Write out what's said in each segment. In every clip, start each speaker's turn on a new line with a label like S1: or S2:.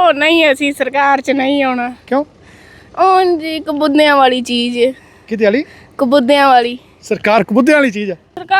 S1: नहीं ਅਸੀਂ ਸਰਕਾਰ 'ਚ ਨਹੀਂ ਆਉਣਾ।
S2: ਕਿਉਂ?
S1: ਉਹ ਜੀ ਕਬੂਤਿਆਂ ਵਾਲੀ ਚੀਜ਼ ਹੈ।
S2: ਕਿਹਦੇ ਵਾਲੀ?
S1: ਕਬੂਤਿਆਂ ਵਾਲੀ
S2: ਸਰਕਾਰ ਕਬੂਤਿਆਂ ਵਾਲੀ ਚੀਜ਼ ਹੈ।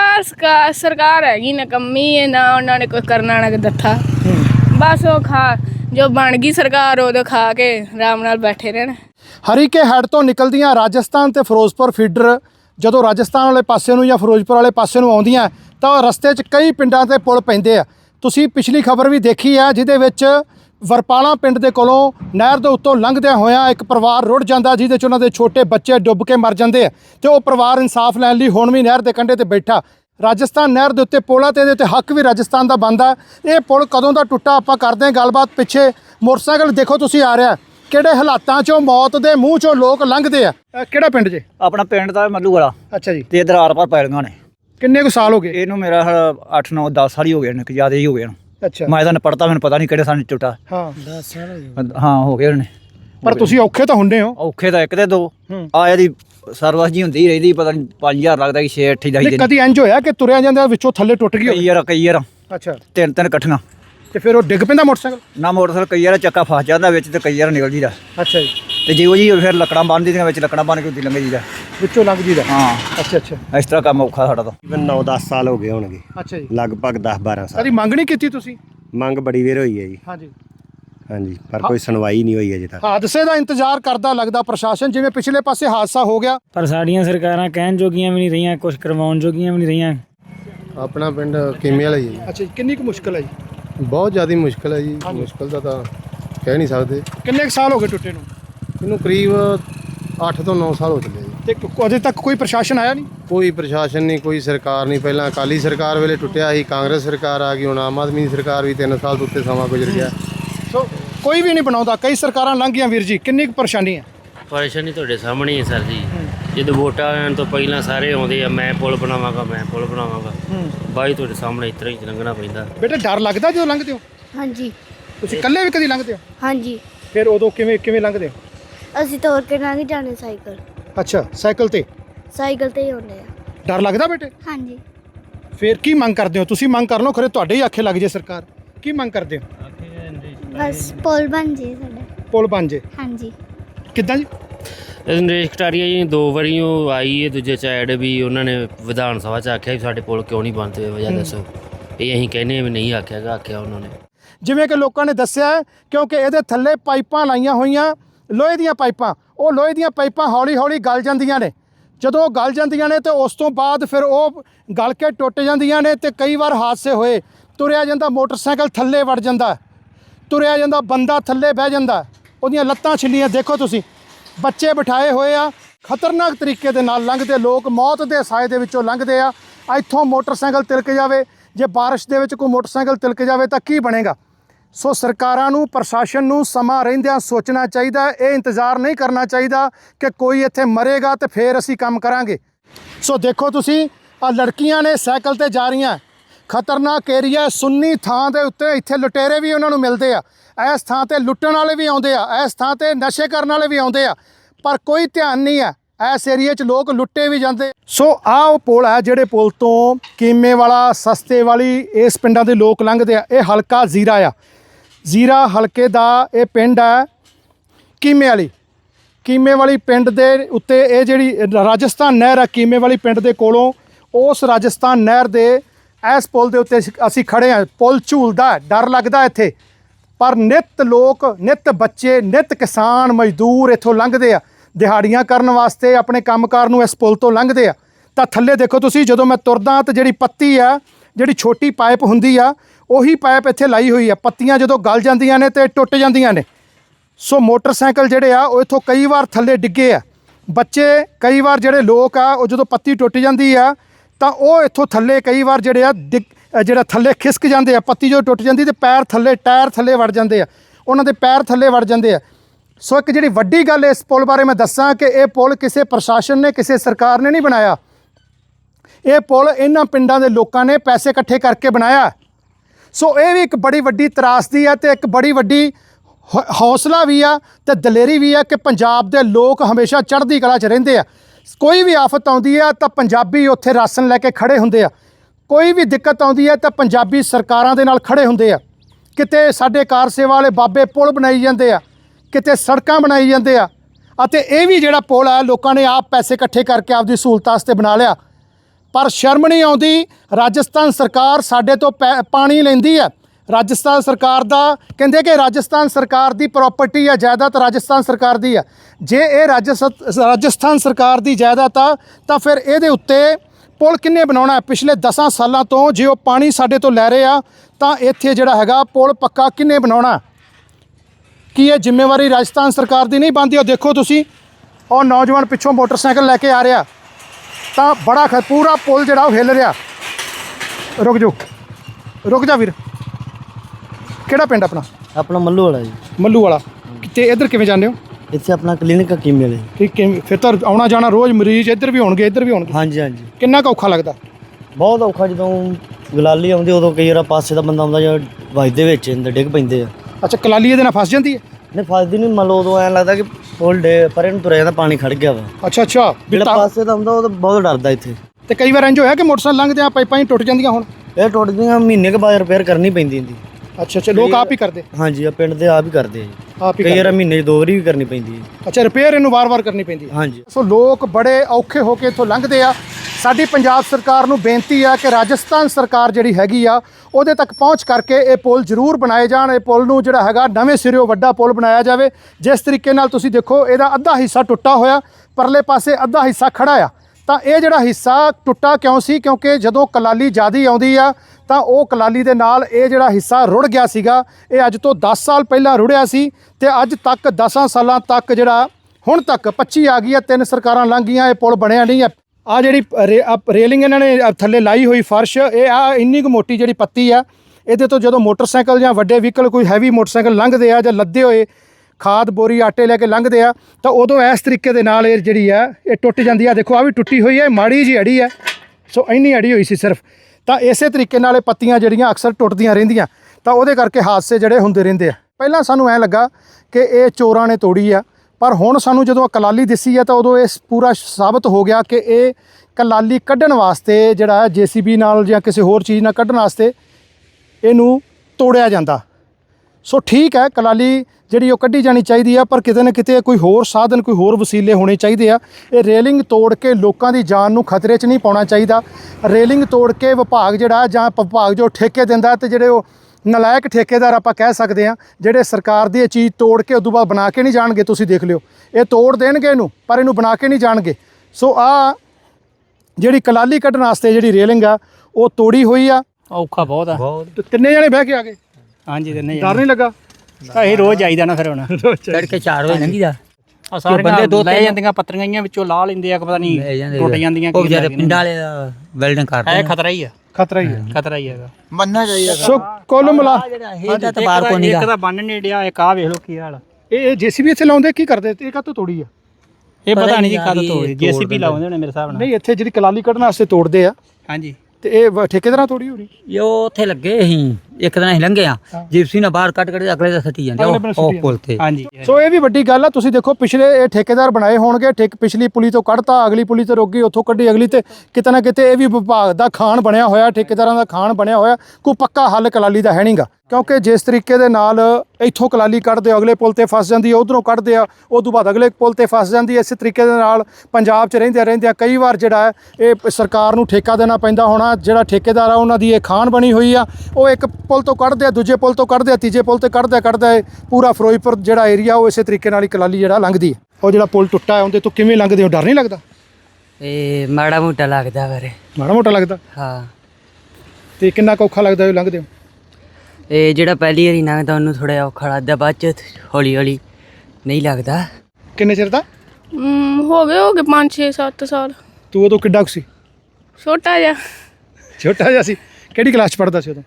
S1: ਸਰਕਾਰ ਹੈਗੀ ਨਕੰਮੀ ਹੈ ਨਾ, ਉਹਨਾਂ ਨੇ ਕੋਈ ਕਰਨਾ ਨਾ ਦਿੱਤਾ। ਬਸ ਉਹ ਖਾ ਜੋ ਬਣ ਗਈ ਸਰਕਾਰ ਉਦੋਂ ਖਾ ਕੇ ਆਰਾਮ ਨਾਲ ਬੈਠੇ ਰਹਿਣ।
S2: ਹਰੀਕੇ ਹੈਡ ਤੋਂ ਨਿਕਲਦੀਆਂ ਰਾਜਸਥਾਨ ਤੇ ਫਿਰੋਜ਼ਪੁਰ ਫੀਡਰ ਜਦੋਂ ਰਾਜਸਥਾਨ ਵਾਲੇ ਪਾਸੇ ਨੂੰ ਜਾਂ ਫਿਰੋਜ਼ਪੁਰ ਵਾਲੇ ਪਾਸੇ ਨੂੰ ਆਉਂਦੀਆਂ ਤਾਂ ਰਸਤੇ 'ਚ ਕਈ ਪਿੰਡਾਂ ਤੇ ਪੁਲ ਪੈਂਦੇ ਆ। ਤੁਸੀਂ ਪਿਛਲੀ ਖਬਰ ਵੀ ਦੇਖੀ ਆ ਜਿਹਦੇ ਵਿੱਚ ਵਰਪਾਲਾ ਪਿੰਡ ਦੇ ਕੋਲੋਂ ਨਹਿਰ ਦੇ ਉੱਤੋਂ ਲੰਘਦਿਆਂ ਹੋਇਆਂ ਇੱਕ ਪਰਿਵਾਰ ਰੁੜ ਜਾਂਦਾ, ਜਿਹਦੇ 'ਚ ਉਹਨਾਂ ਦੇ ਛੋਟੇ ਬੱਚੇ ਡੁੱਬ ਕੇ ਮਰ ਜਾਂਦੇ ਆ ਤੇ ਉਹ ਪਰਿਵਾਰ ਇਨਸਾਫ ਲੈਣ ਲਈ ਹੁਣ ਵੀ ਨਹਿਰ ਦੇ ਕੰਢੇ ਤੇ ਬੈਠਾ। ਰਾਜਸਥਾਨ ਨਹਿਰ ਦੇ ਉੱਤੇ ਪੁਲ ਆ ਤੇ ਇਹਦੇ ਤੇ ਹੱਕ ਵੀ ਰਾਜਸਥਾਨ ਦਾ ਬਣਦਾ। ਇਹ ਪੁਲ ਕਦੋਂ ਦਾ ਟੁੱਟਾ ਆਪਾਂ ਕਰਦੇ ਹਾਂ ਗੱਲਬਾਤ। ਪਿੱਛੇ ਮੋਟਰਸਾਈਕਲ ਦੇਖੋ ਤੁਸੀਂ ਆ ਰਿਹਾ, ਕਿਹੜੇ ਹਾਲਾਤਾਂ 'ਚੋਂ ਮੌਤ ਦੇ ਮੂੰਹ 'ਚੋਂ ਲੋਕ ਲੰਘਦੇ ਆ। ਕਿਹੜਾ ਪਿੰਡ ਜੇ?
S3: ਆਪਣਾ ਪਿੰਡ ਦਾ ਮੱਲੂ ਵਾਲਾ।
S2: ਅੱਛਾ ਜੀ।
S3: ਤੇ ਇਧਰ ਆਰ ਪਾਰ ਪੈਲੀਆਂ ਨੇ।
S2: ਕਿੰਨੇ ਕੁ ਸਾਲ ਹੋ ਗਏ
S3: ਇਹਨੂੰ? ਮੇਰਾ 8 9 10 ਸਾਲ ਹੀ ਹੋ ਗਏ ਨੇ, ਜ਼ਿਆਦਾ ਹੀ ਹੋ ਗਏ ਨੇ।
S2: ਅੱਛਾ।
S3: ਮੈਂ ਤਾਂ ਪੜਤਾ, ਮੈਨੂੰ ਪਤਾ ਨਹੀਂ ਕਿਹੜੇ ਸਾਲ ਟੁੱਟਾ।
S2: ਹਾਂ
S3: 10 ਸਾਲ ਹੋ ਗਏ। ਹਾਂ ਹੋ ਗਏ ਨੇ।
S2: ਪਰ ਤੁਸੀਂ ਔਖੇ ਤਾਂ ਹੁੰਦੇ ਹੋ।
S3: ਔਖੇ ਤਾਂ ਇੱਕ ਤੇ ਦੋ ਆ ਇਹਦੀ ਸਰਵਿਸ ਜੀ ਹੁੰਦੀ ਰਹਿੰਦੀ, ਪਤਾ ਨਹੀਂ 5000 ਲੱਗਦਾ ਕਿ 6 8 ਦਾ ਹੀ।
S2: ਕਦੀ ਇੰਜ ਹੋਇਆ ਕਿ ਤੁਰਿਆ ਜਾਂਦਾ ਵਿੱਚੋਂ ਥੱਲੇ ਟੁੱਟ ਗਈ?
S3: ਕਈ ਵਾਰ।
S2: ਅੱਛਾ।
S3: ਤਿੰਨ ਇਕੱਠੀਆਂ।
S2: ਤੇ ਫਿਰ ਉਹ ਡਿੱਗ ਪੈਂਦਾ ਮੋਟਰਸਾਈਕਲ?
S3: ਨਾ ਮੋਟਰਸਾਈਕਲ ਕਈ ਵਾਰ ਚੱਕਾ ਫਸ ਜਾਂਦਾ ਵਿੱਚ ਤੇ ਕਈ ਵਾਰ ਨਿਕਲ ਜੀਦਾ।
S2: ਅੱਛਾ ਜੀ।
S3: ਤੇ ਜੇ ਉਹ ਜੀ ਫਿਰ ਲੱਕੜਾਂ ਬੰਨ੍ਹ ਦਿੱਤੀਆਂ ਵਿੱਚ, ਲੱਕੜਾਂ ਬੰਨ੍ਹ ਕੇ ਉੱਤੇ ਲੰਘ ਜੀਦਾ,
S2: ਵਿੱਚੋਂ ਲੰਘ ਜੀਦਾ।
S3: ਹਾਂ।
S2: ਅੱਛਾ ਅੱਛਾ।
S3: ਇਸ ਤਰ੍ਹਾਂ ਕੰਮ ਔਖਾ ਸਾਡਾ ਤਾਂ।
S4: 9-10 ਸਾਲ ਹੋ ਗਏ ਹੋਣਗੇ।
S2: ਅੱਛਾ ਜੀ।
S4: ਲਗਭਗ 10-12 ਸਾਲ।
S2: ਕਦੀ ਮੰਗ ਨਹੀਂ ਕੀਤੀ ਤੁਸੀਂ?
S4: ਮੰਗ ਬੜੀ ਵੇਰ ਹੋਈ ਹੈ ਜੀ।
S2: ਹਾਂਜੀ
S4: ਹਾਂਜੀ, ਪਰ ਕੋਈ ਸੁਣਵਾਈ ਨਹੀਂ ਹੋਈ ਅਜੇ ਤੱਕ।
S2: ਹਾਦਸੇ ਦਾ ਇੰਤਜ਼ਾਰ ਕਰਦਾ ਲੱਗਦਾ ਪ੍ਰਸ਼ਾਸਨ, ਜਿਵੇਂ ਪਿਛਲੇ ਪਾਸੇ ਹਾਦਸਾ ਹੋ ਗਿਆ।
S5: ਪਰ ਸਾਡੀਆਂ ਸਰਕਾਰਾਂ ਕਹਿਣ ਜੋਗੀਆਂ ਵੀ ਨਹੀਂ ਰਹੀਆਂ, ਕੁਝ ਕਰਵਾਉਣ ਜੋਗੀਆਂ ਵੀ ਨਹੀਂ ਰਹੀਆਂ।
S6: ਆਪਣਾ ਪਿੰਡ ਕੀਮੇ ਵਾਲਾ ਜੀ।
S2: ਅੱਛਾ ਜੀ। ਕਿੰਨੀ ਕੁ ਮੁਸ਼ਕਲ ਹੈ ਜੀ?
S6: ਬਹੁਤ ਜ਼ਿਆਦਾ ਮੁਸ਼ਕਲ ਹੈ ਜੀ। ਮੁਸ਼ਕਲ ਦਾ ਤਾਂ ਕਹਿ ਨਹੀਂ ਸਕਦੇ।
S2: ਕਿੰਨੇ ਕੁ ਸਾਲ ਹੋ ਗਏ ਟੁੱਟੇ ਨੂੰ?
S6: ਇਹਨੂੰ ਕਰੀਬ 8 ਤੋਂ 9 ਸਾਲ ਹੋ ਚੱਲੇ ਜੀ।
S2: ਤੇ ਅਜੇ ਤੱਕ ਕੋਈ ਪ੍ਰਸ਼ਾਸਨ ਆਇਆ ਨਹੀਂ?
S6: ਕੋਈ ਪ੍ਰਸ਼ਾਸਨ ਨਹੀਂ, ਕੋਈ ਸਰਕਾਰ ਨਹੀਂ। ਪਹਿਲਾਂ ਅਕਾਲੀ ਸਰਕਾਰ ਵੇਲੇ ਟੁੱਟਿਆ ਸੀ, ਕਾਂਗਰਸ ਸਰਕਾਰ ਆ ਗਈ, ਹੁਣ ਆਮ ਆਦਮੀ ਦੀ ਸਰਕਾਰ ਵੀ 3 ਸਾਲ ਤੋਂ ਉੱਤੇ ਸਮਾਂ ਗੁਜ਼ਰ ਗਿਆ।
S2: ਸੋ ਕੋਈ ਵੀ ਨਹੀਂ ਬਣਾਉਂਦਾ। ਕਈ ਸਰਕਾਰਾਂ ਲੰਘ ਗਈਆਂ ਵੀਰ ਜੀ, ਕਿੰਨੀ ਕੁ ਪਰੇਸ਼ਾਨੀ ਹੈ?
S7: ਪਰੇਸ਼ਾਨੀ ਤੁਹਾਡੇ ਸਾਹਮਣੇ ਹੀ ਹੈ ਸਰ ਜੀ। ਜਦੋਂ ਵੋਟਾਂ ਆਉਣ ਤੋਂ ਪਹਿਲਾਂ ਸਾਰੇ ਆਉਂਦੇ ਆ, ਮੈਂ ਪੁਲ ਬਣਾਵਾਂਗਾ, ਮੈਂ ਪੁਲ ਬਣਾਵਾਂਗਾ। ਬਾਈ ਤੁਹਾਡੇ ਸਾਹਮਣੇ ਇਸ ਤਰ੍ਹਾਂ ਹੀ ਲੰਘਣਾ ਪੈਂਦਾ।
S2: ਬੇਟਾ ਡਰ ਲੱਗਦਾ ਜਦੋਂ ਲੰਘਦੇ ਹੋ?
S8: ਹਾਂਜੀ।
S2: ਤੁਸੀਂ ਇਕੱਲੇ ਵੀ ਕਦੀ ਲੰਘਦੇ ਹੋ?
S8: ਹਾਂਜੀ।
S2: ਫਿਰ ਉਦੋਂ ਕਿਵੇਂ ਲੰਘਦੇ ਹੋ?
S8: ਅਸੀਂ ਤੋਰ ਕੇ ਲੰਘ ਜਾਂਦੇ ਸਾਈਕਲ।
S2: ਅੱਛਾ, ਸਾਈਕਲ ਤੇ?
S8: ਸਾਈਕਲ ਤੇ ਹੀ ਹੁੰਦੇ ਆ।
S2: ਡਰ ਲੱਗਦਾ ਬੇਟੇ?
S8: ਹਾਂਜੀ।
S2: ਫਿਰ ਕੀ ਮੰਗ ਕਰਦੇ ਹੋ ਤੁਸੀਂ? ਮੰਗ ਕਰ ਲਓ, ਖਰੇ ਤੁਹਾਡੇ ਹੀ ਆਖੇ ਲੱਗ ਜੇ ਸਰਕਾਰ। ਕੀ ਮੰਗ ਕਰਦੇ ਹੋ?
S8: ਬਸ ਪੁਲ ਬਣ ਜੇ ਸਾਡਾ।
S2: ਪੁਲ ਬਣ ਜੇ।
S8: ਹਾਂਜੀ।
S2: ਕਿੱਦਾਂ ਜੀ?
S7: ਨਰੇਸ਼ ਕਟਾਰੀਆ ਜੀ 2 ਵਾਰੀ ਉਹ ਆਈ ਹੈ, ਦੂਜੇ ਸਾਈਡ ਵੀ ਉਹਨਾਂ ਨੇ ਵਿਧਾਨ ਸਭਾ 'ਚ ਆਖਿਆ ਵੀ ਸਾਡੇ ਪੁਲ ਕਿਉਂ ਨਹੀਂ ਬਣਦੇ, ਵਜ੍ਹਾ ਦੱਸੋ। ਇਹ ਅਸੀਂ ਕਹਿੰਦੇ ਵੀ ਨਹੀਂ ਆਖਿਆ ਉਹਨਾਂ ਨੇ।
S2: ਜਿਵੇਂ ਕਿ ਲੋਕਾਂ ਨੇ ਦੱਸਿਆ ਹੈ, ਕਿਉਂਕਿ ਇਹਦੇ ਥੱਲੇ ਪਾਈਪਾਂ ਲਾਈਆਂ ਹੋਈਆਂ, ਲੋਹੇ ਦੀਆਂ ਪਾਈਪਾਂ। ਉਹ ਲੋਹੇ ਦੀਆਂ ਪਾਈਪਾਂ ਹੌਲੀ ਹੌਲੀ ਗਲ ਜਾਂਦੀਆਂ ਨੇ। ਜਦੋਂ ਉਹ ਗਲ ਜਾਂਦੀਆਂ ਨੇ ਤੇ ਉਸ ਤੋਂ ਬਾਅਦ ਫਿਰ ਉਹ ਗਲ ਕੇ ਟੁੱਟ ਜਾਂਦੀਆਂ ਨੇ ਤੇ ਕਈ ਵਾਰ ਹਾਦਸੇ ਹੋਏ। ਤੁਰਿਆ ਜਾਂਦਾ ਮੋਟਰਸਾਈਕਲ ਥੱਲੇ ਵੜ ਜਾਂਦਾ, ਤੁਰਿਆ ਜਾਂਦਾ ਬੰਦਾ ਥੱਲੇ ਬਹਿ ਜਾਂਦਾ, ਉਹਦੀਆਂ ਲੱਤਾਂ ਛਿੱਲੀਆਂ ਦੇਖੋ ਤੁਸੀਂ। ਬੱਚੇ ਬਿਠਾਏ ਹੋਏ ਆ, ਖਤਰਨਾਕ ਤਰੀਕੇ ਦੇ ਨਾਲ ਲੰਘਦੇ ਲੋਕ, ਮੌਤ ਦੇ ਸਾਏ ਦੇ ਵਿੱਚੋਂ ਲੰਘਦੇ ਆ। ਇੱਥੋਂ ਮੋਟਰਸਾਈਕਲ ਤਿਲਕ ਜਾਵੇ, ਜੇ ਬਾਰਿਸ਼ ਦੇ ਵਿੱਚ ਕੋਈ ਮੋਟਰਸਾਈਕਲ ਤਿਲਕ ਜਾਵੇ ਤਾਂ ਕੀ ਬਣੇਗਾ? ਸੋ ਸਰਕਾਰਾਂ ਨੂੰ, ਪ੍ਰਸ਼ਾਸਨ ਨੂੰ ਸਮਾਂ ਰਹਿੰਦਿਆਂ ਸੋਚਣਾ ਚਾਹੀਦਾ। ਇਹ ਇੰਤਜ਼ਾਰ ਨਹੀਂ ਕਰਨਾ ਚਾਹੀਦਾ ਕਿ ਕੋਈ ਇੱਥੇ ਮਰੇਗਾ ਤੇ ਫਿਰ ਅਸੀਂ ਕੰਮ ਕਰਾਂਗੇ। ਸੋ ਦੇਖੋ ਤੁਸੀਂ, ਆ ਲੜਕੀਆਂ ਨੇ ਸਾਈਕਲ ਤੇ ਜਾ ਰਹੀਆਂ। ਖਤਰਨਾਕ ਏਰੀਆ, ਸੁੰਨੀ ਥਾਂ ਦੇ ਉੱਤੇ। ਇੱਥੇ ਲੁਟੇਰੇ ਵੀ ਉਹਨਾਂ ਨੂੰ ਮਿਲਦੇ ਆ। ਇਸ ਥਾਂ ਤੇ ਲੁੱਟਣ ਵਾਲੇ ਵੀ ਆਉਂਦੇ ਆ, ਇਸ ਥਾਂ ਤੇ ਨਸ਼ੇ ਕਰਨ ਵਾਲੇ ਵੀ ਆਉਂਦੇ ਆ, ਪਰ ਕੋਈ ਧਿਆਨ ਨਹੀਂ ਹੈ। ਇਸ ਏਰੀਏ 'ਚ ਲੋਕ ਲੁੱਟੇ ਵੀ ਜਾਂਦੇ। ਸੋ ਆਹ ਉਹ ਪੁਲ ਹੈ ਜਿਹੜੇ ਪੁਲ ਤੋਂ ਕੀਮੇ ਵਾਲਾ, ਸਸਤੇ ਵਾਲੀ, ਇਸ ਪਿੰਡਾਂ ਦੇ ਲੋਕ ਲੰਘਦੇ ਆ। ਇਹ ਹਲਕਾ ਜ਼ੀਰਾ ਆ। ਜ਼ੀਰਾ ਹਲਕੇ ਦਾ ਇਹ ਪਿੰਡ ਹੈ ਕੀਮੇ ਵਾਲੀ। ਕੀਮੇ ਵਾਲੀ ਪਿੰਡ ਦੇ ਉੱਤੇ ਇਹ ਜਿਹੜੀ ਰਾਜਸਥਾਨ ਨਹਿਰ ਹੈ, ਕੀਮੇ ਵਾਲੀ ਪਿੰਡ ਦੇ ਕੋਲੋਂ ਉਸ ਰਾਜਸਥਾਨ ਨਹਿਰ ਦੇ ਇਸ ਪੁਲ ਦੇ ਉੱਤੇ ਅਸੀਂ ਖੜੇ ਹਾਂ। ਪੁਲ ਝੂਲਦਾ, ਡਰ ਲੱਗਦਾ ਇੱਥੇ, ਪਰ ਨਿੱਤ ਲੋਕ, ਨਿੱਤ ਬੱਚੇ, ਨਿੱਤ ਕਿਸਾਨ ਮਜ਼ਦੂਰ ਇੱਥੋਂ ਲੰਘਦੇ ਆ ਦਿਹਾੜੀਆਂ ਕਰਨ ਵਾਸਤੇ, ਆਪਣੇ ਕੰਮਕਾਰ ਨੂੰ ਇਸ ਪੁਲ ਤੋਂ ਲੰਘਦੇ ਆ। ਤਾਂ ਥੱਲੇ ਦੇਖੋ ਤੁਸੀਂ, ਜਦੋਂ ਮੈਂ ਤੁਰਦਾ ਤਾਂ ਜਿਹੜੀ ਪੱਤੀ ਆ, ਜਿਹੜੀ ਛੋਟੀ ਪਾਈਪ ਹੁੰਦੀ ਆ, ਉਹੀ ਪਾਈਪ ਇੱਥੇ ਲਾਈ ਹੋਈ ਆ। ਪੱਤੀਆਂ ਜਦੋਂ ਗਲ ਜਾਂਦੀਆਂ ਨੇ ਤੇ ਟੁੱਟ ਜਾਂਦੀਆਂ ਨੇ। ਸੋ ਮੋਟਰਸਾਈਕਲ ਜਿਹੜੇ ਆ ਉਹ ਇੱਥੋਂ ਕਈ ਵਾਰ ਥੱਲੇ ਡਿੱਗੇ ਆ। ਬੱਚੇ, ਕਈ ਵਾਰ ਜਿਹੜੇ ਲੋਕ ਆ, ਉਹ ਜਦੋਂ ਪੱਤੀ ਟੁੱਟ ਜਾਂਦੀ ਆ ਤਾਂ ਉਹ ਇੱਥੋਂ ਥੱਲੇ ਕਈ ਵਾਰ ਜਿਹੜੇ ਆ ਜਿਹੜਾ ਥੱਲੇ ਖਿਸਕ ਜਾਂਦੇ ਆ। ਪੱਤੀ ਜਦੋਂ ਟੁੱਟ ਜਾਂਦੀ ਤੇ ਪੈਰ ਥੱਲੇ, ਟਾਇਰ ਥੱਲੇ ਵੜ ਜਾਂਦੇ ਆ, ਉਹਨਾਂ ਦੇ ਪੈਰ ਥੱਲੇ ਵੜ ਜਾਂਦੇ ਆ। ਸੋ ਇੱਕ ਜਿਹੜੀ ਵੱਡੀ ਗੱਲ ਇਸ ਪੁਲ ਬਾਰੇ ਮੈਂ ਦੱਸਾਂ ਕਿ ਇਹ ਪੁਲ ਕਿਸੇ ਪ੍ਰਸ਼ਾਸਨ ਨੇ, ਕਿਸੇ ਸਰਕਾਰ ਨੇ ਨਹੀਂ ਬਣਾਇਆ। ਇਹ ਪੁਲ ਇਹਨਾਂ ਪਿੰਡਾਂ ਦੇ ਲੋਕਾਂ ਨੇ ਪੈਸੇ ਇਕੱਠੇ ਕਰਕੇ ਬਣਾਇਆ। ਸੋ ਇਹ ਵੀ ਇੱਕ ਬੜੀ ਵੱਡੀ ਤਰਾਸਦੀ ਆ ਤੇ ਇੱਕ ਬੜੀ ਵੱਡੀ ਹੌਸਲਾ ਵੀ ਆ ਤੇ ਦਲੇਰੀ ਵੀ ਆ ਕਿ ਪੰਜਾਬ ਦੇ ਲੋਕ ਹਮੇਸ਼ਾ ਚੜ੍ਹਦੀ ਕਲਾ 'ਚ ਰਹਿੰਦੇ ਆ। ਕੋਈ ਵੀ ਆਫਤ ਆਉਂਦੀ ਆ ਤਾਂ ਪੰਜਾਬੀ ਉੱਥੇ ਰਾਸ਼ਨ ਲੈ ਕੇ ਖੜੇ ਹੁੰਦੇ ਆ। ਕੋਈ ਵੀ ਦਿੱਕਤ ਆਉਂਦੀ ਹੈ ਤਾਂ ਪੰਜਾਬੀ ਸਰਕਾਰਾਂ ਦੇ ਨਾਲ ਖੜੇ ਹੁੰਦੇ ਆ। ਕਿਤੇ ਸਾਡੇ ਕਾਰ ਸੇਵਾ ਵਾਲੇ ਬਾਬੇ ਪੁਲ ਬਣਾਈ ਜਾਂਦੇ ਆ, ਕਿਤੇ ਸੜਕਾਂ ਬਣਾਈ ਜਾਂਦੇ ਆ, ਅਤੇ ਇਹ ਵੀ ਜਿਹੜਾ ਪੁਲ ਹੈ ਲੋਕਾਂ ਨੇ ਆਪ ਪੈਸੇ ਇਕੱਠੇ ਕਰਕੇ ਆਪਦੀ ਸਹੂਲਤਾਂ ਵਾਸਤੇ ਬਣਾ ਲਿਆ। ਪਰ ਸ਼ਰਮ ਨਹੀਂ ਆਉਂਦੀ, ਰਾਜਸਥਾਨ ਸਰਕਾਰ ਸਾਡੇ ਤੋਂ ਪਾਣੀ ਲੈਂਦੀ ਹੈ। ਰਾਜਸਥਾਨ ਸਰਕਾਰ ਦਾ ਕਹਿੰਦੇ ਕਿ ਰਾਜਸਥਾਨ ਸਰਕਾਰ ਦੀ ਪ੍ਰਾਪਰਟੀ ਹੈ, ਜਾਇਦਾਦ ਰਾਜਸਥਾਨ ਸਰਕਾਰ ਦੀ ਹੈ। ਜੇ ਇਹ ਰਾਜਸਥਾਨ ਸਰਕਾਰ ਦੀ ਜਾਇਦਾਦ ਆ ਤਾਂ ਫਿਰ ਇਹਦੇ ਉੱਤੇ ਪੁਲ ਕਿੰਨੇ ਬਣਾਉਣਾ ਹੈ? ਪਿਛਲੇ 10 ਸਾਲਾਂ ਤੋਂ ਜੇ ਉਹ ਪਾਣੀ ਸਾਡੇ ਤੋਂ ਲੈ ਰਹੇ ਆ ਤਾਂ ਇੱਥੇ ਜਿਹੜਾ ਹੈਗਾ ਪੁਲ ਪੱਕਾ ਕਿੰਨੇ ਬਣਾਉਣਾ? ਕੀ ਇਹ ਜ਼ਿੰਮੇਵਾਰੀ ਰਾਜਸਥਾਨ ਸਰਕਾਰ ਦੀ ਨਹੀਂ ਬਣਦੀ? ਉਹ ਦੇਖੋ ਤੁਸੀਂ, ਉਹ ਨੌਜਵਾਨ ਪਿੱਛੋਂ ਮੋਟਰਸਾਈਕਲ ਲੈ ਕੇ ਆ ਰਿਹਾ ਤਾਂ ਬੜਾ ਪੂਰਾ ਪੁਲ ਜਿਹੜਾ ਉਹ ਹਿੱਲ ਰਿਹਾ। ਰੁਕ ਜਾ ਵੀਰ। ਕਿਹੜਾ ਪਿੰਡ ਆਪਣਾ?
S9: ਆਪਣਾ ਮੱਲੂ ਵਾਲਾ ਜੀ।
S2: ਮੱਲੂ ਵਾਲਾ। ਤੇ ਇੱਧਰ ਕਿਵੇਂ ਜਾਂਦੇ ਹੋ?
S9: ਇੱਥੇ ਆਪਣਾ ਕਲੀਨਿਕ ਹਕੀਮ ਵਾਲੇ।
S2: ਠੀਕ, ਫਿਰ ਤਾਂ ਆਉਣਾ ਜਾਣਾ ਰੋਜ਼ ਮਰੀਜ਼ ਇੱਧਰ ਵੀ ਹੋਣਗੇ ਇੱਧਰ ਵੀ ਹੋਣਗੇ।
S9: ਹਾਂਜੀ ਹਾਂਜੀ।
S2: ਕਿੰਨਾ ਕੁ ਔਖਾ ਲੱਗਦਾ?
S9: ਬਹੁਤ ਔਖਾ। ਜਦੋਂ ਗਲਾਲੀ ਆਉਂਦੀ ਉਦੋਂ ਕਈ ਵਾਰ ਪਾਸੇ ਦਾ ਬੰਦਾ ਆਉਂਦਾ ਜਾਂ ਵਾਜ ਦੇ ਵਿੱਚ ਅੰਦਰ ਡਿੱਗ ਪੈਂਦੇ ਆ।
S2: ਅੱਛਾ, ਕਲਾਲੀ ਇਹਦੇ ਨਾਲ ਫਸ ਜਾਂਦੀ ਹੈ?
S9: ਨਹੀਂ ਫਸਦੀ ਨਹੀਂ, ਮੰਨ ਲਓ ਉਦੋਂ ਐਂ ਲੱਗਦਾ ਕਿ ਪੁਲ ਪਰੇ ਨੂੰ ਤੁਰਿਆ ਜਾਂਦਾ, ਪਾਣੀ ਖੜ ਗਿਆ ਵਾ।
S2: ਅੱਛਾ ਅੱਛਾ।
S9: ਜਿਹੜਾ ਪਾਸੇ ਦਾ ਹੁੰਦਾ ਉਹ ਤਾਂ ਬਹੁਤ ਡਰਦਾ ਇੱਥੇ।
S2: ਤੇ ਕਈ ਵਾਰ ਇੰਜ ਹੋਇਆ ਕਿ ਮੋਟਰਸਾਈਕਲ ਲੰਘਦੇ ਆ ਪਾਈਪਾਂ ਹੀ ਟੁੱਟ ਜਾਂਦੀਆਂ ਹੁਣ?
S9: ਇਹ ਟੁੱਟਦੀਆਂ ਮਹੀਨੇ ਕੇ ਬਾਅਦ ਰਿਪੇਅਰ ਕਰਨੀ ਪੈਂਦੀ ਹੁੰਦੀ।
S2: ਅੱਛਾ ਅੱਛਾ, ਲੋਕ ਆਪ ਹੀ ਕਰਦੇ?
S9: ਹਾਂਜੀ, ਆ ਪਿੰਡ ਦੇ ਆਪ ਹੀ ਕਰਦੇ ਆ ਜੀ।
S2: ਆਪ ਹੀ
S9: ਕਈ ਵਾਰ ਮਹੀਨੇ 'ਚ 2 ਵਾਰੀ ਵੀ ਕਰਨੀ ਪੈਂਦੀ ਹੈ।
S2: ਅੱਛਾ, ਰਿਪੇਅਰ ਇਹਨੂੰ ਵਾਰ-ਵਾਰ ਕਰਨੀ ਪੈਂਦੀ ਹੈ।
S9: ਹਾਂਜੀ।
S2: ਸੋ ਲੋਕ ਬੜੇ ਔਖੇ ਹੋ ਕੇ ਇੱਥੋਂ ਲੰਘਦੇ ਆ। ਸਾਡੀ ਪੰਜਾਬ ਸਰਕਾਰ ਨੂੰ ਬੇਨਤੀ ਆ ਕਿ ਰਾਜਸਥਾਨ ਸਰਕਾਰ ਜਿਹੜੀ ਹੈਗੀ ਆ ਉਹਦੇ ਤੱਕ ਪਹੁੰਚ ਕਰਕੇ ਇਹ ਪੁਲ ਜ਼ਰੂਰ ਬਣਾਏ ਜਾਣ। ਇਹ ਪੁਲ ਨੂੰ ਜਿਹੜਾ ਹੈਗਾ ਨਵੇਂ ਸਿਰਿਓਂ ਵੱਡਾ ਪੁਲ ਬਣਾਇਆ ਜਾਵੇ। ਜਿਸ ਤਰੀਕੇ ਨਾਲ ਤੁਸੀਂ ਦੇਖੋ ਇਹਦਾ ਅੱਧਾ ਹਿੱਸਾ ਟੁੱਟਾ ਹੋਇਆ, ਪਰਲੇ ਪਾਸੇ ਅੱਧਾ ਹਿੱਸਾ ਖੜਾ ਆ। ਤਾਂ ਇਹ ਜਿਹੜਾ ਹਿੱਸਾ ਟੁੱਟਾ ਕਿਉਂ ਸੀ? ਕਿਉਂਕਿ ਜਦੋਂ ਕਲਾਲੀ ਜ਼ਿਆਦਾ ਆਉਂਦੀ ਆ ਤਾਂ ਉਹ ਕਲਾਲੀ ਦੇ ਨਾਲ ਇਹ ਜਿਹੜਾ ਹਿੱਸਾ ਰੁੜ ਗਿਆ ਸੀਗਾ। ਇਹ ਅੱਜ ਤੋਂ 10 ਸਾਲ ਪਹਿਲਾਂ ਰੁੜਿਆ ਸੀ ਤੇ ਅੱਜ ਤੱਕ 10 ਸਾਲਾਂ ਤੱਕ ਜਿਹੜਾ ਹੁਣ ਤੱਕ 25 ਆ ਗਈ ਆ, 3 ਸਰਕਾਰਾਂ ਲੰਘ ਗਈਆਂ, ਇਹ ਪੁਲ ਬਣਿਆ ਨਹੀਂ ਆ। ਆ ਜਿਹੜੀ ਰੇਲਿੰਗ ਇਹਨਾਂ ਨੇ ਥੱਲੇ ਲਾਈ ਹੋਈ ਫਰਸ਼, ਇਹ ਆ ਇੰਨੀ ਕੁ ਮੋਟੀ ਜਿਹੜੀ ਪੱਤੀ ਆ, ਇਹਦੇ ਤੋਂ ਜਦੋਂ ਮੋਟਰਸਾਈਕਲ ਜਾਂ ਵੱਡੇ ਵਹੀਕਲ ਕੋਈ ਹੈਵੀ ਮੋਟਰਸਾਈਕਲ ਲੰਘਦੇ ਆ ਜਾਂ ਲੱਦੇ ਹੋਏ ਖਾਦ ਬੋਰੀ ਆਟੇ ਲੈ ਕੇ ਲੰਘਦੇ ਆ ਤਾਂ ਉਦੋਂ ਇਸ ਤਰੀਕੇ ਦੇ ਨਾਲ ਇਹ ਜਿਹੜੀ ਆ ਇਹ ਟੁੱਟ ਜਾਂਦੀ ਆ। ਦੇਖੋ ਆ ਵੀ ਟੁੱਟੀ ਹੋਈ ਹੈ, ਮਾੜੀ ਜਿਹੀ ਅੜੀ ਹੈ। ਸੋ ਇੰਨੀ ਅੜੀ ਹੋਈ ਸੀ ਸਿਰਫ। ਤਾਂ ਇਸੇ ਤਰੀਕੇ ਨਾਲ ਇਹ ਪੱਤੀਆਂ ਜਿਹੜੀਆਂ ਅਕਸਰ ਟੁੱਟਦੀਆਂ ਰਹਿੰਦੀਆਂ ਤਾਂ ਉਹਦੇ ਕਰਕੇ ਹਾਦਸੇ ਜਿਹੜੇ ਹੁੰਦੇ ਰਹਿੰਦੇ ਆ। ਪਹਿਲਾਂ ਸਾਨੂੰ ਐਂ ਲੱਗਾ ਕਿ ਇਹ ਚੋਰਾਂ ਨੇ ਤੋੜੀ ਆ, ਪਰ ਹੁਣ ਸਾਨੂੰ ਜਦੋਂ ਕਲਾਲੀ ਦਿਸੀ ਆ ਤਾਂ ਉਦੋਂ ਇਹ ਪੂਰਾ ਸਾਬਤ ਹੋ ਗਿਆ ਕਿ ਇਹ ਕਲਾਲੀ ਕੱਢਣ ਵਾਸਤੇ ਜਿਹੜਾ JCB ਨਾਲ ਜਾਂ ਕਿਸੇ ਹੋਰ ਚੀਜ਼ ਨਾਲ ਕੱਢਣ ਵਾਸਤੇ ਇਹਨੂੰ ਤੋੜਿਆ ਜਾਂਦਾ। ਸੋ ਠੀਕ ਹੈ, ਕਲਾਲੀ ਜਿਹੜੀ ਉਹ ਕੱਢੀ ਜਾਣੀ ਚਾਹੀਦੀ ਆ, ਪਰ ਕਿਤੇ ਨਾ ਕਿਤੇ ਕੋਈ ਹੋਰ ਸਾਧਨ, ਕੋਈ ਹੋਰ ਵਸੀਲੇ ਹੋਣੇ ਚਾਹੀਦੇ ਆ। ਇਹ ਰੇਲਿੰਗ ਤੋੜ ਕੇ ਲੋਕਾਂ ਦੀ ਜਾਨ ਨੂੰ ਖਤਰੇ 'ਚ ਨਹੀਂ ਪਾਉਣਾ ਚਾਹੀਦਾ। ਰੇਲਿੰਗ ਤੋੜ ਕੇ ਵਿਭਾਗ ਜਿਹੜਾ ਜਾਂ ਵਿਭਾਗ ਜੋ ਠੇਕੇ ਦਿੰਦਾ ਤੇ ਜਿਹੜੇ ਉਹ ਨਲਾਇਕ ਠੇਕੇਦਾਰ ਆਪਾਂ ਕਹਿ ਸਕਦੇ ਆ, ਜਿਹੜੇ ਸਰਕਾਰ ਦੀ ਇਹ ਚੀਜ਼ ਤੋੜ ਕੇ ਉਦੋਂ ਬਾਅਦ ਬਣਾ ਕੇ ਨਹੀਂ ਜਾਣਗੇ। ਤੁਸੀਂ ਦੇਖ ਲਿਓ, ਇਹ ਤੋੜ ਦੇਣਗੇ ਇਹਨੂੰ ਪਰ ਇਹਨੂੰ ਬਣਾ ਕੇ ਨਹੀਂ ਜਾਣਗੇ। ਸੋ ਆ ਜਿਹੜੀ ਕਲਾਲੀ ਕੱਢਣ ਵਾਸਤੇ ਜਿਹੜੀ ਰੇਲਿੰਗ ਆ ਉਹ ਤੋੜੀ ਹੋਈ ਆ।
S5: ਔਖਾ ਬਹੁਤ ਆ।
S2: ਤੇ ਤਿੰਨੇ ਜਣੇ ਬਹਿ ਕੇ ਆ ਗਏ?
S5: ਹਾਂਜੀ ਤੇ
S2: ਡਰ ਨਹੀਂ ਲੱਗਾ?
S5: ਇਹ ਰੋਜ਼ ਆਈਦਾ ਨਾ ਫਿਰ ਹੁਣ
S10: ਤੜਕੇ 4 ਵਜੇ ਲੰਘੀਦਾ।
S5: ਆ ਸਾਰੇ ਬੰਦੇ ਦੋ ਲੈ ਜਾਂਦੀਆਂ ਪੱਤਰੀਆਂ ਵਿੱਚੋਂ ਲਾ ਲੈਂਦੇ ਆ, ਪਤਾ ਨਹੀਂ ਟੁੱਟ ਜਾਂਦੀਆਂ।
S10: ਉਹ ਜਿਹੜੇ ਪਿੰਡ ਵਾਲੇ ਵੈਲਡਿੰਗ ਕਰਦੇ
S5: ਹੈ ਖਤਰਾ ਹੀ ਆ।
S2: ਖਤਰਾ ਹੀ ਹੈ,
S5: ਖਤਰਾ ਹੀ ਹੈਗਾ।
S10: ਮੰਨਣਾ ਚਾਹੀਦਾ।
S2: ਸੋ ਕੁੱਲ ਮਿਲਾ
S10: ਇਹਦਾ ਤਾਂ ਬਾਹਰ ਕੋਈ
S5: ਇੱਕ ਤਾਂ ਬੰਨ ਨਹੀਂ ਡਿਆ, ਇੱਕ ਆ ਵੇਖ ਲਓ ਕੀ ਹਾਲ।
S2: ਇਹ JCB ਇੱਥੇ ਲਾਉਂਦੇ ਕੀ ਕਰਦੇ? ਇਹ ਕਾਹਤੋਂ ਤੋੜੀ ਆ?
S5: ਇਹ ਪਤਾ ਨਹੀਂ ਜੀ ਕਦ ਤੋੜੀ। JCB ਲਾਉਂਦੇ ਹੋਣੇ ਮੇਰੇ ਹਿਸਾਬ ਨਾਲ।
S2: ਨਹੀਂ, ਇੱਥੇ ਜਿਹੜੀ ਕਲਾਲੀ ਕੱਢਣ ਵਾਸਤੇ ਤੋੜਦੇ ਆ।
S5: ਹਾਂਜੀ।
S2: ਤੇ ਇਹ ਠੇਕੇਦਾਰਾਂ ਤੋੜੀ ਹੋਣੀ?
S10: ਇਹ ਉੱਥੇ ਲੱਗੇ ਸੀ, ਇੱਕ ਦਿਨ ਅਸੀਂ ਲੰਘੇ ਆ, ਜਿਪਸੀ ਨਾਲ ਬਾਹਰ ਕੱਢ ਅਗਲੇ ਦਾ ਸੱਟੀ ਜਾਂਦੇ ਉਹ ਪੁੱਲ ਤੇ।
S5: ਹਾਂਜੀ।
S2: ਸੋ ਇਹ ਵੀ ਵੱਡੀ ਗੱਲ ਆ। ਤੁਸੀਂ ਦੇਖੋ ਪਿਛਲੇ ਇਹ ਠੇਕੇਦਾਰ ਬਣਾਏ ਹੋਣਗੇ, ਪਿਛਲੀ ਪੁਲੀ ਤੋਂ ਕੱਢਤਾ, ਅਗਲੀ ਪੁਲੀ ਤੋਂ ਰੋਕੀ, ਉੱਥੋਂ ਕੱਢੀ ਅਗਲੀ, ਤੇ ਕਿਤੇ ਨਾ ਕਿਤੇ ਇਹ ਵੀ ਵਿਭਾਗ ਦਾ ਖਾਨ ਬਣਿਆ ਹੋਇਆ, ਠੇਕੇਦਾਰਾਂ ਦਾ ਖਾਨ ਬਣਿਆ ਹੋਇਆ। ਕੋਈ ਪੱਕਾ ਹੱਲ ਕਲਾਲੀ ਦਾ ਹੈ ਨਹੀਂਗਾ, ਕਿਉਂਕਿ ਜਿਸ ਤਰੀਕੇ ਦੇ ਨਾਲ ਇੱਥੋਂ ਕਲਾਲੀ ਕੱਢਦੇ ਅਗਲੇ ਪੁਲ ਤੇ ਫਸ ਜਾਂਦੀ ਹੈ, ਉਧਰੋਂ ਕੱਢਦੇ ਆ ਉਸ ਤੋਂ ਬਾਅਦ ਅਗਲੇ ਪੁਲ ਤੇ ਫਸ ਜਾਂਦੀ ਹੈ। ਇਸੇ ਤਰੀਕੇ ਦੇ ਨਾਲ ਪੰਜਾਬ 'ਚ ਰਹਿੰਦਿਆਂ ਕਈ ਵਾਰ ਜਿਹੜਾ ਹੈ ਇਹ ਸਰਕਾਰ ਨੂੰ ਠੇਕਾ ਦੇਣਾ ਪੈਂਦਾ ਹੋਣਾ। ਜਿਹੜਾ ਠੇਕੇਦਾਰ ਆ ਉਹਨਾਂ ਦੀ ਇਹ ਖਾਨ ਬਣੀ ਹੋਈ ਆ, ਉਹ ਇੱਕ ਪੁਲ ਤੋਂ ਕੱਢਦੇ ਆ, ਦੂਜੇ ਪੁਲ ਤੋਂ ਕੱਢਦੇ ਆ, ਤੀਜੇ ਪੁਲ ਤੇ ਕੱਢਦਾ ਪੂਰਾ ਫਿਰੋਜ਼ਪੁਰ ਜਿਹੜਾ ਏਰੀਆ ਉਹ ਇਸੇ ਤਰੀਕੇ ਨਾਲ ਹੀ ਕਲਾਲੀ ਜਿਹੜਾ ਲੰਘਦੀ ਹੈ। ਉਹ ਜਿਹੜਾ ਪੁਲ ਟੁੱਟਾ ਹੈ ਉਹਦੇ ਤੋਂ ਕਿਵੇਂ ਲੰਘਦੇ ਹੋ? ਡਰ ਨਹੀਂ ਲੱਗਦਾ?
S10: ਇਹ ਮਾੜਾ ਮੋਟਾ ਲੱਗਦਾ ਵੀਰੇ।
S2: ਮਾੜਾ ਮੋਟਾ ਲੱਗਦਾ?
S10: ਹਾਂ।
S2: ਤੇ ਕਿੰਨਾ ਕੁ ਔਖਾ ਲੱਗਦਾ ਉਹ ਲੰਘਦੇ ਹੋ?
S10: ਇਹ ਜਿਹੜਾ ਪਹਿਲੀ ਵਾਰੀ ਲੰਘਦਾ ਉਹਨੂੰ ਥੋੜਾ ਔਖਾ ਲੱਗਦਾ, ਬਾਅਦ ਚ ਹੌਲੀ ਹੌਲੀ ਨਹੀਂ ਲੱਗਦਾ।
S2: ਕਿੰਨੇ ਚਿਰ ਦਾ
S1: ਹੋ ਗਏ 5 6 7 ਸਾਲ।
S2: ਤੂੰ ਉਦੋਂ ਕਿੱਡਾ ਕੁ ਸੀ?
S1: ਛੋਟਾ ਜਿਹਾ।
S2: ਛੋਟਾ ਜਿਹਾ ਸੀ। ਕਿਹੜੀ ਕਲਾਸ 'ਚ ਪੜ੍ਹਦਾ ਸੀ ਉਦੋਂ?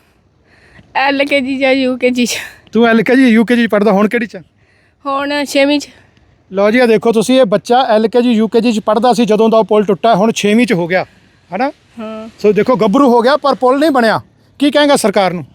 S1: LKG ਜਾਂ UKG 'ਚ।
S2: ਤੂੰ LKG UKG ਪੜ੍ਹਦਾ, ਹੁਣ ਕਿਹੜੀ 'ਚ?
S1: ਹੁਣ 6ਵੀਂ 'ਚ।
S2: ਲਓ ਜੀ, ਆ ਦੇਖੋ ਤੁਸੀਂ, ਇਹ ਬੱਚਾ LKG UKG 'ਚ ਪੜ੍ਹਦਾ ਸੀ ਜਦੋਂ ਦਾ ਉਹ ਪੁਲ ਟੁੱਟਾ, ਹੁਣ 6ਵੀਂ 'ਚ ਹੋ ਗਿਆ ਹੈ ਨਾ?
S1: ਹਾਂ।
S2: ਸੋ ਦੇਖੋ ਗੱਭਰੂ ਹੋ ਗਿਆ ਪਰ ਪੁਲ ਨਹੀਂ ਬਣਿਆ। ਕੀ ਕਹੇਗਾ ਸਰਕਾਰ ਨੂੰ?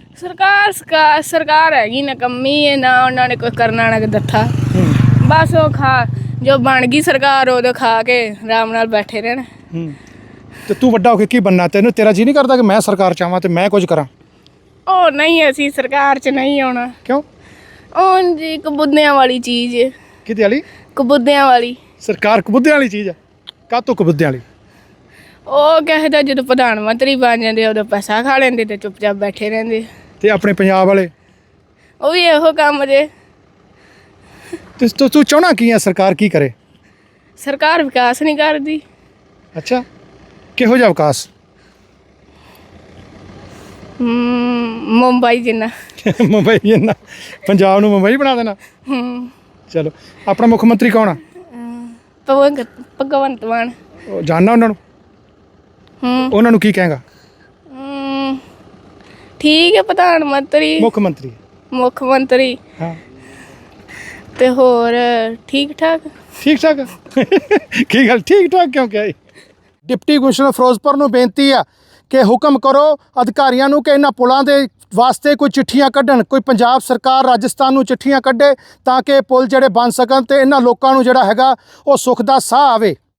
S1: ਸਰਕਾਰ ਹੈਗੀ ਨਕੰਮੀ ਹੈ, ਨਾ ਉਹਨਾਂ ਨੇ ਕੋਈ ਕਰਨਾ ਨਾ ਦੱਥਾ। ਬਸ ਉਹ ਜੋ ਬਣ ਗਈ ਸਰਕਾਰ ਉਹਦੇ ਖਾ ਕੇ ਆਰਾਮ ਨਾਲ ਬੈਠੇ ਰਹਿਣ।
S2: ਤੇ ਤੂੰ ਵੱਡਾ ਹੋ ਕੇ ਕੀ ਬਣਨਾ? ਤੈਨੂੰ ਤੇਰਾ ਜੀ ਨਹੀਂ ਕਰਦਾ ਕਿ ਮੈਂ ਸਰਕਾਰ ਚਾਹਾਂ ਤੇ ਮੈਂ ਕੁਝ ਕਰਾਂ?
S1: ਉਹ ਨਹੀਂ, ਅਸੀਂ ਸਰਕਾਰ 'ਚ ਨਹੀਂ ਆਉਣਾ।
S2: ਕਿਉਂ?
S1: ਉਹ ਜੀ ਕਬੂਦਿਆਂ ਵਾਲੀ ਚੀਜ਼ ਹੈ।
S2: ਕਿਹਦੇ ਵਾਲੀ?
S1: ਕਬੂਦਿਆਂ ਵਾਲੀ
S2: ਸਰਕਾਰ ਕਬੂਦਿਆਂ ਵਾਲੀ ਚੀਜ਼ ਆ? ਕਾਹਤੋਂ ਕਬੂਦਿਆਂ ਵਾਲੀ?
S1: ਉਹ ਕਹਿੰਦਾ ਜਦੋਂ ਪ੍ਰਧਾਨ ਮੰਤਰੀ ਬਣ ਜਾਂਦੇ ਉਦੋਂ ਪੈਸਾ ਖਾ ਲੈਂਦੇ ਤੇ ਚੁੱਪਚਾਪ ਬੈਠੇ ਰਹਿੰਦੇ।
S2: ਤੇ ਆਪਣੇ ਪੰਜਾਬ ਵਾਲੇ
S1: ਉਹ ਵੀ ਇਹੋ ਕੰਮ ਜੇ।
S2: ਤੂੰ ਚਾਹਣਾ ਕੀ ਆ ਸਰਕਾਰ ਕੀ ਕਰੇ?
S1: ਸਰਕਾਰ ਵਿਕਾਸ ਨਹੀਂ ਕਰਦੀ।
S2: ਅੱਛਾ, ਕਿਹੋ ਜਿਹਾ ਵਿਕਾਸ?
S1: ਮੁੰਬਈ ਜਿੰਨਾ।
S2: ਮੁੰਬਈ ਜਿੰਨਾ? ਪੰਜਾਬ ਨੂੰ ਮੁੰਬਈ ਬਣਾ ਦੇਣਾ? ਚਲੋ, ਆਪਣਾ ਮੁੱਖ ਮੰਤਰੀ ਕੌਣ ਆ?
S1: ਭਗਵੰਤ ਮਾਨ।
S2: ਉਹ ਜਾਣਨਾ ਉਹਨਾਂ ਨੂੰ? ਉਹਨਾਂ ਨੂੰ ਕੀ ਕਹੇਗਾ?
S1: ਠੀਕ ਹੈ, ਪ੍ਰਧਾਨ ਮੰਤਰੀ,
S2: ਮੁੱਖ ਮੰਤਰੀ।
S1: ਮੁੱਖ ਮੰਤਰੀ
S2: ਹਾਂ,
S1: ਤੇ ਹੋਰ ਠੀਕ ਠਾਕ।
S2: ਠੀਕ ਠਾਕ। ਕੀ ਗੱਲ ਠੀਕ ਠਾਕ ਕਿਉਂ ਕਿਹਾ? ਡਿਪਟੀ ਕਮਿਸ਼ਨਰ ਫਿਰੋਜ਼ਪੁਰ ਨੂੰ ਬੇਨਤੀ ਆ ਕਿ ਹੁਕਮ ਕਰੋ ਅਧਿਕਾਰੀਆਂ ਨੂੰ ਕਿ ਇਹਨਾਂ ਪੁਲਾਂ ਦੇ ਵਾਸਤੇ ਕੋਈ ਚਿੱਠੀਆਂ ਕੱਢਣ, ਕੋਈ ਪੰਜਾਬ ਸਰਕਾਰ ਰਾਜਸਥਾਨ ਨੂੰ ਚਿੱਠੀਆਂ ਕੱਢੇ ਤਾਂ ਕਿ ਪੁਲ ਜਿਹੜੇ ਬਣ ਸਕਣ ਤੇ ਇਹਨਾਂ ਲੋਕਾਂ ਨੂੰ ਜਿਹੜਾ ਹੈਗਾ ਉਹ ਸੁੱਖ ਦਾ ਸਾਹ ਆਵੇ।